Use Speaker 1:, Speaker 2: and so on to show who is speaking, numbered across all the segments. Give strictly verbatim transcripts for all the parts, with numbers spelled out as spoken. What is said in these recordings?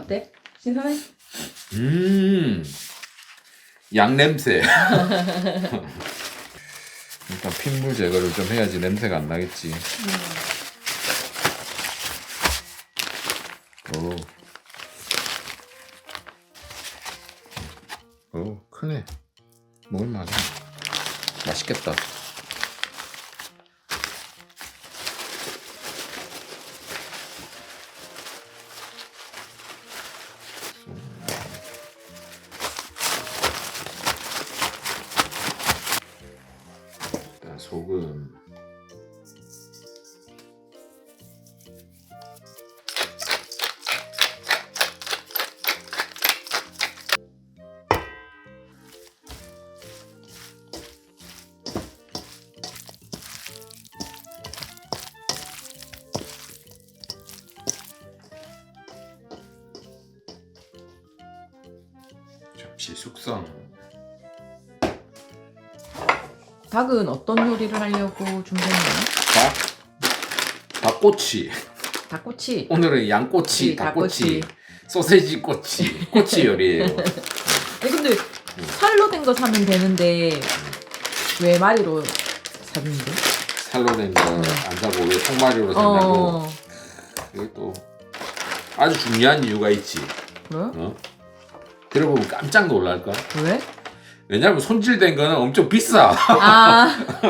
Speaker 1: 어때? 신선해?
Speaker 2: 음, 양 냄새. 일단 핏물 제거를 좀 해야지 냄새가 안 나겠지. 오, 오, 크네. 먹을만해. 맛있겠다. 일단 소금. 접시 숙성.
Speaker 1: 닭은 어떤 요리를 하려고 준비했나요?
Speaker 2: 닭, 닭꼬치.
Speaker 1: 닭꼬치.
Speaker 2: 오늘은 양꼬치,
Speaker 1: 네,
Speaker 2: 닭꼬치,
Speaker 1: 닭꼬치.
Speaker 2: 소세지 꼬치, 꼬치 요리예요.
Speaker 1: 아니 근데 살로 된 거 사면 되는데 왜 마리로 사는데?
Speaker 2: 살로 된 거 안 사고 왜 통마리로 산다고?
Speaker 1: 어.
Speaker 2: 이게 또 아주 중요한 이유가 있지.
Speaker 1: 그래?
Speaker 2: 어? 들어보면 깜짝 놀랄까?
Speaker 1: 왜?
Speaker 2: 왜냐면 손질된 거는 엄청 비싸.
Speaker 1: 아.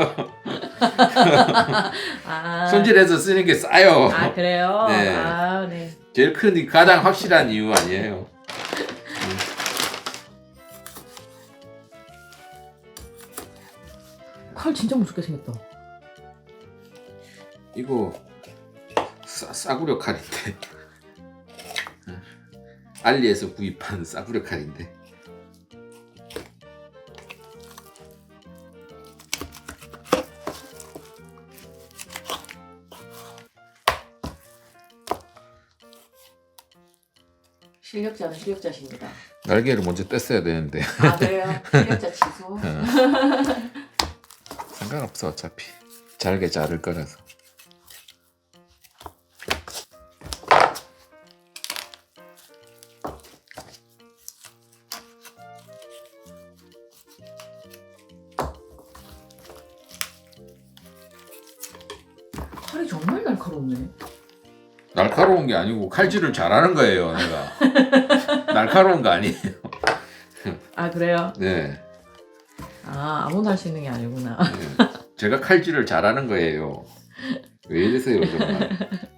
Speaker 1: 아.
Speaker 2: 손질해서 쓰는 게 싸요.
Speaker 1: 아 그래요?
Speaker 2: 네.
Speaker 1: 아 네.
Speaker 2: 제일 큰 가장 확실한 이유 아니에요.
Speaker 1: 칼 진짜 무섭게 생겼다.
Speaker 2: 이거 싸, 싸구려 칼인데. 알리에서 구입한 싸구려 칼인데.
Speaker 1: 실력자는 실력자십니다.
Speaker 2: 날개를 먼저 뗐어야 되는데.
Speaker 1: 아 그래요? 실력자 취소.
Speaker 2: 상관없어 어차피 잘게 자를 거라서.
Speaker 1: 칼이 정말 날카롭네.
Speaker 2: 날카로운 게 아니고 칼질을 잘하는 거예요 내가. 날카로운 거 아니에요.
Speaker 1: 아 그래요?
Speaker 2: 네.
Speaker 1: 아 아무나 할 수 있는 게 아니구나.
Speaker 2: 네. 제가 칼질을 잘하는 거예요. 왜 이러세요 정말.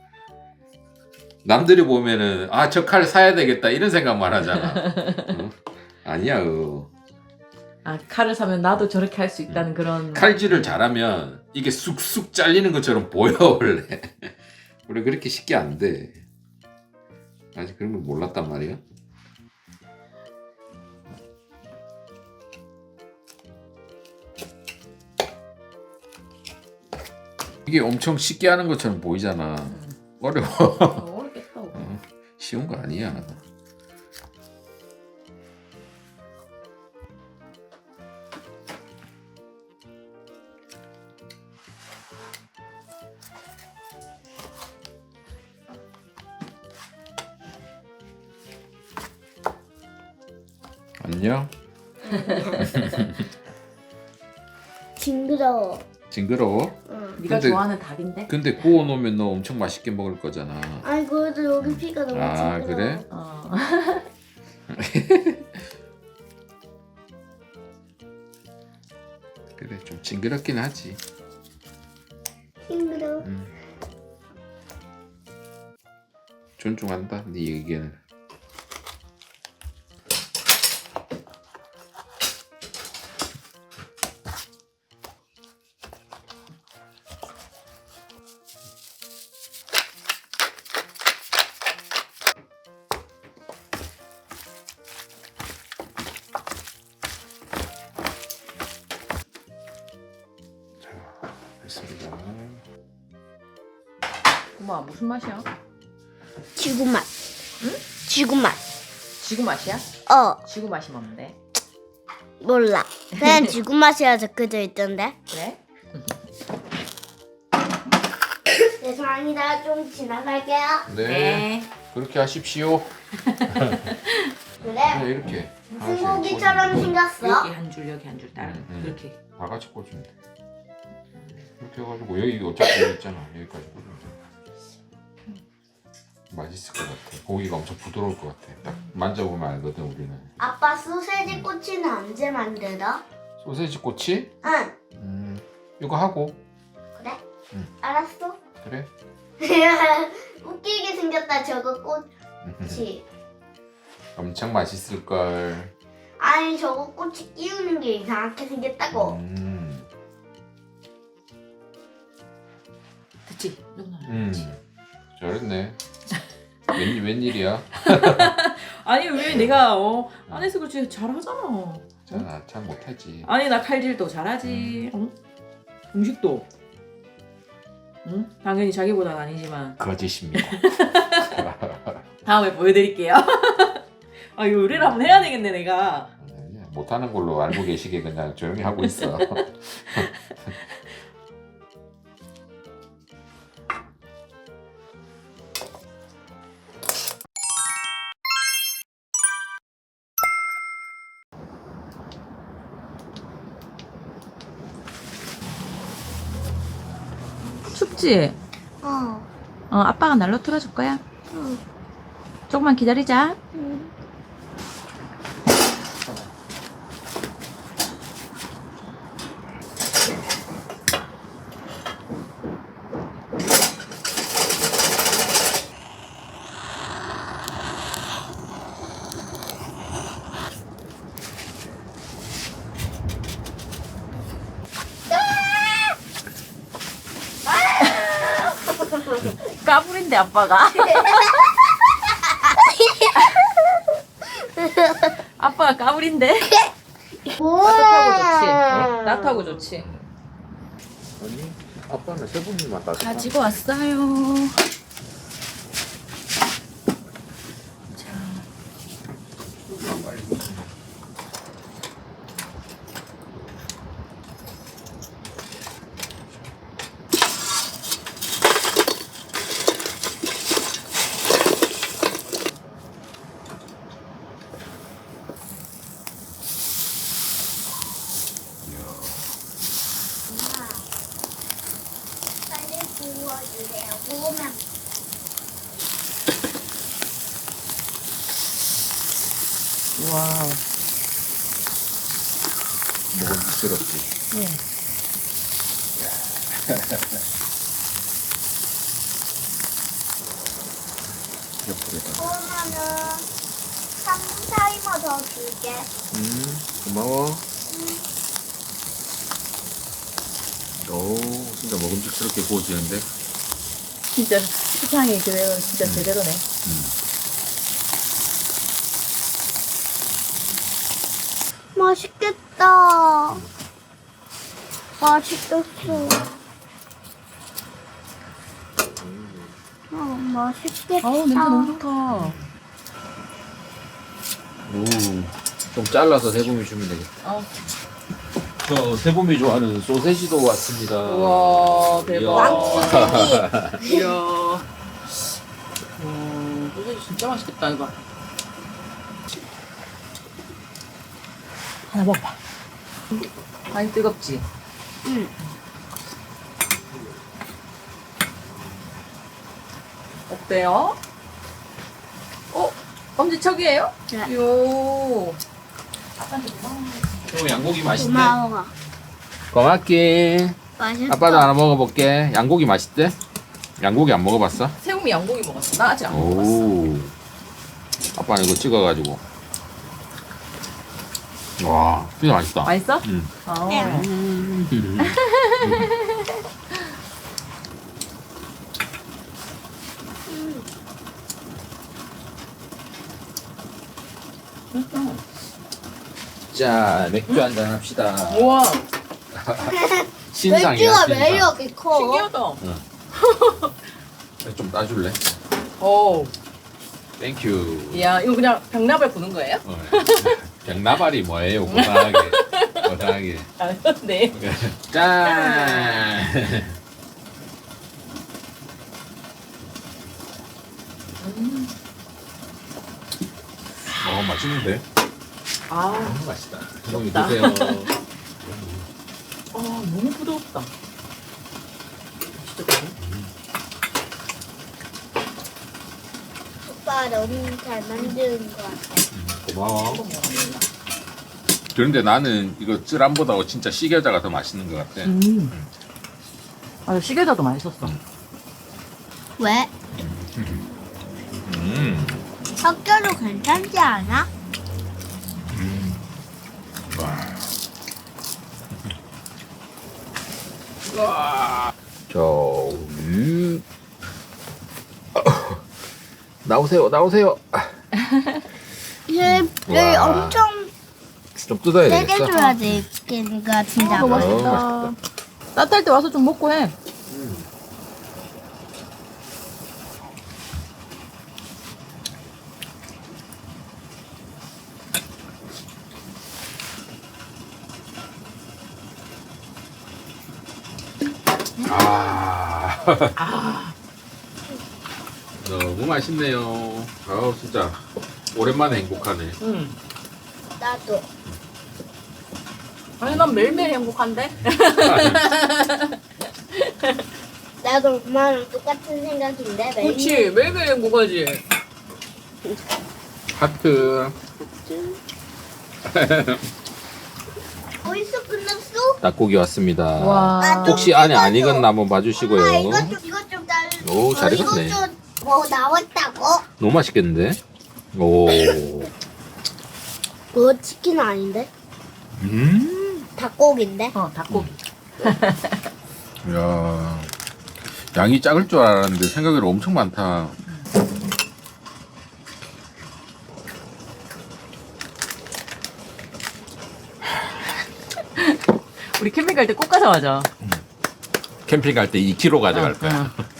Speaker 2: 남들이 보면은 아 저 칼 사야 되겠다 이런 생각만 하잖아. 어? 아니야. 어.
Speaker 1: 아 칼을 사면 나도 저렇게 할 수 있다는 그런.
Speaker 2: 칼질을 잘하면 이게 쑥쑥 잘리는 것처럼 보여 원래. 원래 그렇게 쉽게 안 돼. 아직 그런 걸 몰랐단 말이야. 이게 엄청 쉽게 하는 것처럼 보이잖아. 어려워.
Speaker 1: 어, 어렵겠다.
Speaker 2: 어, 쉬운 거 아니야. 안녕.
Speaker 3: 징그러워.
Speaker 2: 징그러워?
Speaker 3: 응.
Speaker 1: 네가
Speaker 2: 근데-
Speaker 1: 좋아하는 닭인데?
Speaker 2: 근데 구워 놓으면 너 엄청 맛있게 먹을 거잖아.
Speaker 3: 아니 그래도 여기 피가 너무
Speaker 2: 아,
Speaker 3: 징그러워.
Speaker 2: 그래?
Speaker 1: 어.
Speaker 2: 그래 좀 징그럽긴 하지.
Speaker 3: 징그러워.
Speaker 2: 음. 존중한다 네 의견을. 됐습니다.
Speaker 1: 엄마 무슨 맛이야?
Speaker 3: 지구 맛.
Speaker 1: 응?
Speaker 3: 지구 맛.
Speaker 1: 지구 맛이야?
Speaker 3: 어
Speaker 1: 지구 맛이 뭔데?
Speaker 3: 몰라. 그냥 지구 맛이라 적혀져 있던데.
Speaker 1: 그래?
Speaker 3: 죄송합니다. 좀 지나갈게요.
Speaker 2: 네. 그렇게 하십시오.
Speaker 3: 그래?
Speaker 2: 네, 이렇게.
Speaker 3: 무슨
Speaker 2: 하나씩
Speaker 3: 고기처럼
Speaker 2: 꽂으면
Speaker 3: 생겼어?
Speaker 1: 여기 한 줄, 여기 한 줄 따라.
Speaker 2: 음, 음.
Speaker 1: 그렇게.
Speaker 2: 다 같이 꽂으면 돼. 이렇게 해가지고 여기 어차피 여기 있잖아. 여기까지 꽂으면 돼. 맛있을 것 같아. 고기가 엄청 부드러울 것 같아. 딱 만져보면 알거든 우리는.
Speaker 3: 아빠 소세지 꼬치는 언제 만들어?
Speaker 2: 소세지 꼬치?
Speaker 3: 응.
Speaker 2: 음, 이거 하고.
Speaker 3: 그래?
Speaker 2: 응.
Speaker 3: 알았어.
Speaker 2: 그래?
Speaker 3: 웃기게 생겼다 저거 꼬치.
Speaker 2: 엄청 맛있을 걸.
Speaker 3: 아니 저거 꼬치 끼우는 게 이상하게 생겼다고.
Speaker 2: 음,
Speaker 1: 됐지? 누나.
Speaker 2: 음, 잘했네. 웬 웬일이야?
Speaker 1: 아니 왜 내가 어 안에서 그렇지 잘하잖아.
Speaker 2: 자, 참 못하지.
Speaker 1: 아니 나 칼질도 잘하지. 어? 음식도. 응? 당연히 자기보다는 아니지만
Speaker 2: 거짓입니다.
Speaker 1: 다음에 보여드릴게요. 아 요리를 한번 해야 되겠네 내가.
Speaker 2: 못하는 걸로 알고 계시게 그냥 조용히 하고 있어.
Speaker 1: 춥지?
Speaker 3: 어.
Speaker 1: 어 아빠가 난로 틀어줄 거야.
Speaker 3: 응.
Speaker 1: 조금만 기다리자.
Speaker 3: 응.
Speaker 1: 까불인데 아빠가. 아빠가 까불인데. 따뜻하고 좋지. 어? 따뜻하고 좋지.
Speaker 2: 아니, 아빠는 세 분이만 따.
Speaker 1: 가지고 왔어요. 자,
Speaker 3: 빨리 구워주세요. 구우면
Speaker 1: 와우.
Speaker 2: 먹음직스럽지.
Speaker 1: 네.
Speaker 2: 옆으로다가.
Speaker 3: 구우면은 삼 분 타이머 더 줄게.
Speaker 2: 음, 고마워. 오, 진짜 먹음직스럽게 구워지는데.
Speaker 1: 진짜 세상이 그래요. 진짜 제대로네.
Speaker 3: 맛있겠다. 맛있겠어. 어, 맛있겠다.
Speaker 1: 아우 냄새 너무 좋다.
Speaker 2: 오, 좀 잘라서 세봄이 주면 되겠다.
Speaker 1: 어.
Speaker 2: 저 세봄이 좋아하는 소세지도 왔습니다.
Speaker 1: 우와 대박.
Speaker 2: 이야.
Speaker 1: 이야. 와 소세지 진짜 맛있겠다 이거. 하나 먹어봐. 많이 뜨겁지?
Speaker 3: 응.
Speaker 1: 어때요? 어? 엄지척이에요?
Speaker 3: 네.
Speaker 1: 요.
Speaker 2: 형 양고기 맛있대?
Speaker 3: 고마워.
Speaker 2: 고맙게.
Speaker 3: 맛있어.
Speaker 2: 아빠도 하나 먹어볼게. 양고기 맛있대? 양고기 안 먹어봤어?
Speaker 1: 새우미 양고기 먹었어. 나 아직 안 먹어봤어.
Speaker 2: 오. 아빠는 이거 찍어가지고. 와, 진짜 맛있다.
Speaker 1: 맛있어?
Speaker 2: 응.
Speaker 1: 어.
Speaker 2: 자, 맥주 한잔 합시다.
Speaker 1: 우와.
Speaker 2: 신상이야,
Speaker 3: 맥주가 왜
Speaker 2: 신상.
Speaker 3: 이렇게 커?
Speaker 1: 신기하다.
Speaker 2: 좀 따줄래?
Speaker 1: 오.
Speaker 2: 땡큐.
Speaker 1: 이야, 이거 그냥 병나발 부는 거예요?
Speaker 2: 어. 병나발이 뭐예요? 고상하게. 고상하게.
Speaker 1: 아, 네.
Speaker 2: 짠!
Speaker 1: 음.
Speaker 2: 맛있는데?
Speaker 1: 아,
Speaker 2: 너무 맛있다. 형이
Speaker 1: 부럽다.
Speaker 2: 드세요.
Speaker 1: 아 너무 부드럽다. 진짜 그래?
Speaker 3: 오빠 너무 잘 만드는 것 같아.
Speaker 2: 고마워. 그런데 나는 이거 쯔람보다 진짜 시겨자가 더 맛있는 것 같아.
Speaker 1: 음. 아 시계자도 맛있었어.
Speaker 3: 왜?
Speaker 2: 음.
Speaker 3: 섞여도 괜찮지 않아?
Speaker 2: 와. 저, 음. 나오세요, 나오세요.
Speaker 3: 얘, 얘
Speaker 2: 와.
Speaker 3: 엄청
Speaker 2: 좀 뜯어야
Speaker 3: 세게
Speaker 2: 되겠어.
Speaker 3: 줘야 돼. 걔가 진짜
Speaker 1: 너무
Speaker 3: 맛있어.
Speaker 1: 맛있다. 따뜻할 때 와서 좀 먹고 해.
Speaker 2: 아.
Speaker 1: 아,
Speaker 2: 너무 맛있네요. 아우, 진짜. 오랜만에 행복하네.
Speaker 1: 음.
Speaker 3: 나도.
Speaker 1: 아니 난 매일매일 행복한데.
Speaker 3: 나도 엄마랑 똑같은 생각인데 매일.
Speaker 1: 그렇지 매일매일 행복하지.
Speaker 2: 하트.
Speaker 3: 벌써 끝났어?
Speaker 2: 닭고기 왔습니다.
Speaker 1: 와.
Speaker 3: 아, 좀
Speaker 2: 혹시 안에 안
Speaker 3: 익어줘.
Speaker 2: 익었나 한번 봐주시고요.
Speaker 3: 엄마 이것 좀 이것 좀 달.
Speaker 2: 오, 잘 익었네.
Speaker 3: 이것 좀뭐 나왔다고?
Speaker 2: 너무 맛있겠는데? 오.
Speaker 3: 그거 치킨 아닌데?
Speaker 2: 음.
Speaker 3: 닭고기인데?
Speaker 1: 어 닭고기.
Speaker 2: 야. 양이 작을 줄 알았는데 생각외로 엄청 많다.
Speaker 1: 우리 캠핑 갈 때 꼭 가져가자.
Speaker 2: 캠핑 갈 때 이 킬로그램 가져갈
Speaker 1: 어,
Speaker 2: 거야.
Speaker 1: 어.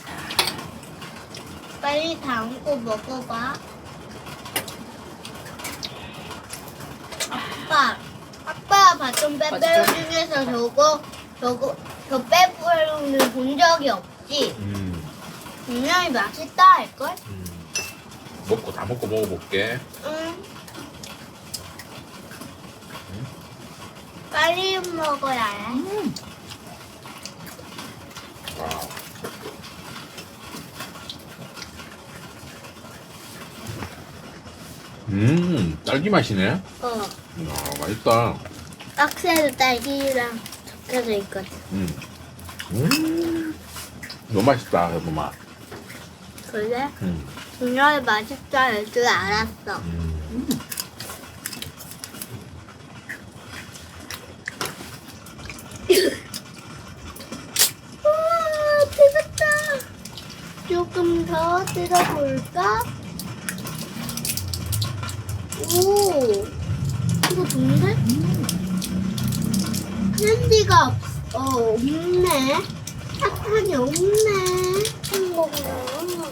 Speaker 3: 빨리 담고 먹어봐. 아빠, 아빠 봤던 빼빼로 중에서 저거, 저거, 저 빼빼로는 본 적이 없지?
Speaker 2: 음.
Speaker 3: 분명히 맛있다 할걸?
Speaker 2: 음. 먹고 다 먹고 먹어볼게.
Speaker 3: 응. 빨리 먹어야 해.
Speaker 1: 음.
Speaker 2: 음, 딸기 맛이네.
Speaker 3: 어.
Speaker 2: 아, 맛있다.
Speaker 3: 박스에도 딸기랑 적혀져 있거든.
Speaker 2: 음. 음. 너무 맛있다, 여보마.
Speaker 3: 그래?
Speaker 2: 음.
Speaker 3: 분명히 맛있다 할 줄 알았어.
Speaker 2: 음.
Speaker 3: 우와, 뜨겁다. 조금 더 뜯어볼까? 오, 이거 좋은데? 캔디가 없, 어, 없네. 사탕이 없네. 어허.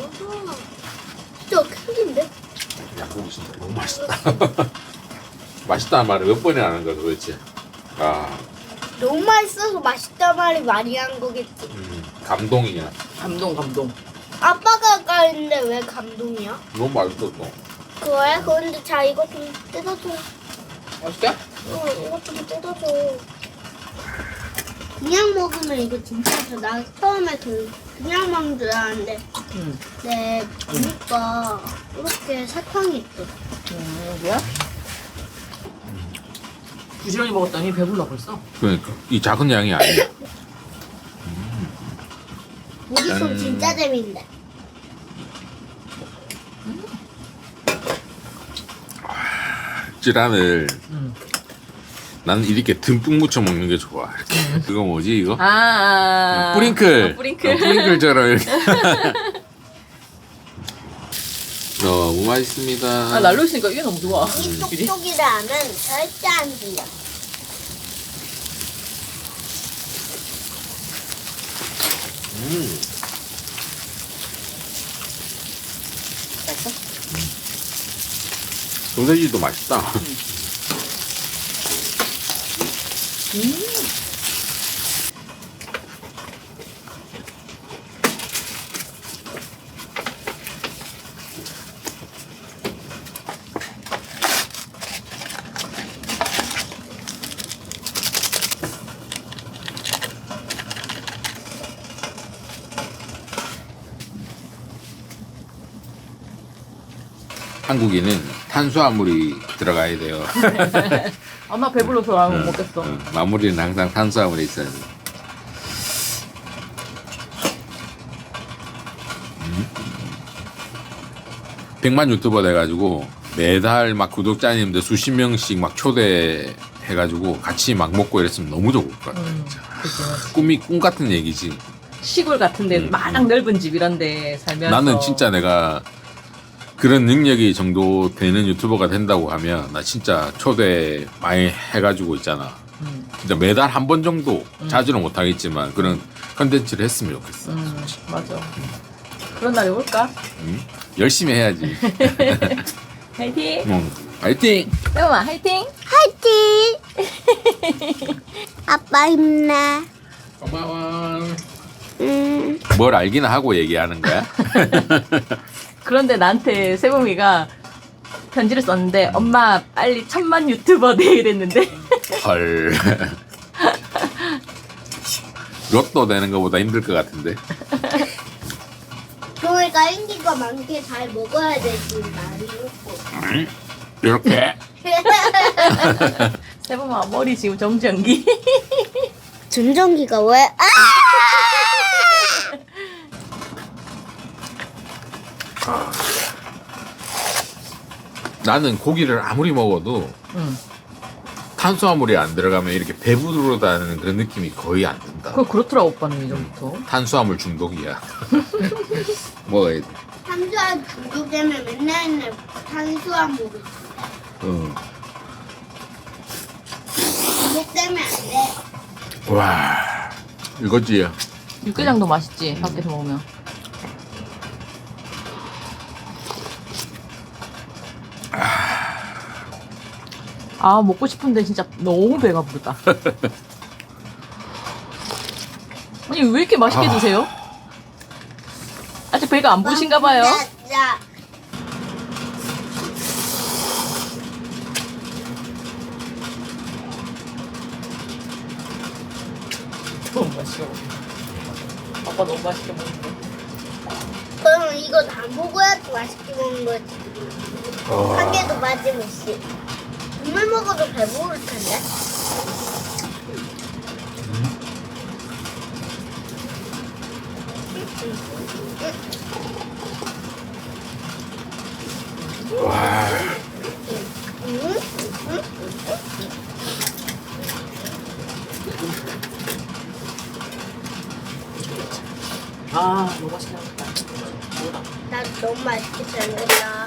Speaker 3: 진짜 캔디인데?
Speaker 2: 양고기 진짜 너무 맛있다. 맛있다는 말을 몇 번이나 하는 거야 도대체. 아,
Speaker 3: 너무 맛있어서 맛있다 말이 많이 한 거겠지.
Speaker 2: 음, 감동이야.
Speaker 1: 감동 감동.
Speaker 3: 아빠가 아까 했는데 왜 감동이야?
Speaker 2: 너무 맛있었어.
Speaker 3: 그래? 그런데 자 이거 좀 뜯어줘.
Speaker 1: 맛있게?
Speaker 3: 어, 이거 좀 뜯어줘. 그냥 먹으면 이거 진짜 좋아. 나 처음에 그 그냥 먹는 줄 알았는데
Speaker 1: 응.
Speaker 3: 네 보니까 이렇게 사탕이 있어.
Speaker 1: 음, 여기야? 부지런히 먹었더니 배불러 벌써.
Speaker 2: 그러니까 이 작은 양이 아니야.
Speaker 3: 우리 손
Speaker 2: 음.
Speaker 3: 진짜 재밌네.
Speaker 2: 찌란을
Speaker 1: 응.
Speaker 2: 나는 이렇게 듬뿍 묻혀 먹는 게 좋아. 이렇게. 그거 뭐지 이거?
Speaker 1: 아, 아, 아.
Speaker 2: 뿌링클.
Speaker 1: 어, 뿌링클.
Speaker 2: 어, 뿌링클처럼 이렇게. 너무 맛있습니다.
Speaker 1: 아 날로 있으니까 이게 너무 좋아.
Speaker 3: 이
Speaker 1: 그지?
Speaker 3: 똑똑이라면 절대 안 들려.
Speaker 2: 음.
Speaker 1: 맛있어?
Speaker 2: 소세지도 맛있다.
Speaker 1: 음.
Speaker 2: 한국인은 탄수화물이 들어가야 돼요.
Speaker 1: 엄마 배불러서 안 먹겠어.
Speaker 2: 어, 마무리는 항상 탄수화물이 있어야 돼. 음. 백만 유튜버 돼가지고 매달 막 구독자님들 수십 명씩 막 초대해가지고 같이 막 먹고 이랬으면 너무 좋을 것 같아.
Speaker 1: 음,
Speaker 2: 진짜.
Speaker 1: 그치.
Speaker 2: 꿈이 꿈 같은 얘기지.
Speaker 1: 시골 같은데
Speaker 2: 음.
Speaker 1: 마당 넓은 집 이런데 살면서
Speaker 2: 나는 진짜 내가 그런 능력이 정도 되는 유튜버가 된다고 하면 나 진짜 초대 많이 해가지고 있잖아.
Speaker 1: 음,
Speaker 2: 진짜 매달 한 번 정도
Speaker 1: 음.
Speaker 2: 자주는 못하겠지만 그런 컨텐츠를 했으면 좋겠어.
Speaker 1: 음, 맞아. 그런 날이 올까?
Speaker 2: 응? 열심히 해야지.
Speaker 1: 화이팅!
Speaker 2: 응. 파이팅!
Speaker 1: 세범아 화이팅!
Speaker 3: 화이팅! 아빠 힘내.
Speaker 2: 고마워.
Speaker 3: 음.
Speaker 2: 뭘 알기나 하고 얘기하는 거야?
Speaker 1: 그런데 나한테 세범이가 편지를 썼는데 엄마 빨리 천만 유튜버 돼 이랬는데
Speaker 2: 헐. 로또 되는 것보다 힘들 것 같은데.
Speaker 3: 그러니까 인기가 많게 잘 먹어야 되지 많이 먹고.
Speaker 2: 응? 이렇게.
Speaker 1: 세범아 머리 지금 정전기
Speaker 3: 전정기가 왜? 아!
Speaker 2: 나는 고기를 아무리 먹어도
Speaker 1: 응.
Speaker 2: 탄수화물이 안 들어가면 이렇게 배부르다는 그런 느낌이 거의 안 든다.
Speaker 1: 그거 그렇더라 오빠는 이전부터
Speaker 2: 탄수화물 중독이야. 먹어야 돼.
Speaker 3: 탄수화물 중독되면 맨날 맨날 탄수화물
Speaker 2: 응.
Speaker 3: 중독되면 안 돼.
Speaker 2: 와, 이거지.
Speaker 1: 육개장도 맛있지 밖에서 먹으면 아 먹고 싶은데 진짜 너무 배가 부르다 아니 왜 이렇게 맛있게
Speaker 2: 아.
Speaker 1: 드세요? 아직 배가 안 부르신가 봐요.
Speaker 3: 자,
Speaker 1: 너무 맛있게 먹는다. 아빠 너무 맛있게 먹는다.
Speaker 3: 그럼 이거 다 먹어야지 맛있게 먹는 거지. 한 개도 빠짐없이. 국물 먹어도 배부를 텐데.
Speaker 2: 와,
Speaker 3: 응?
Speaker 1: 아 너무 맛있게 먹었다.
Speaker 3: 나 너무 맛있게 잘 먹었다.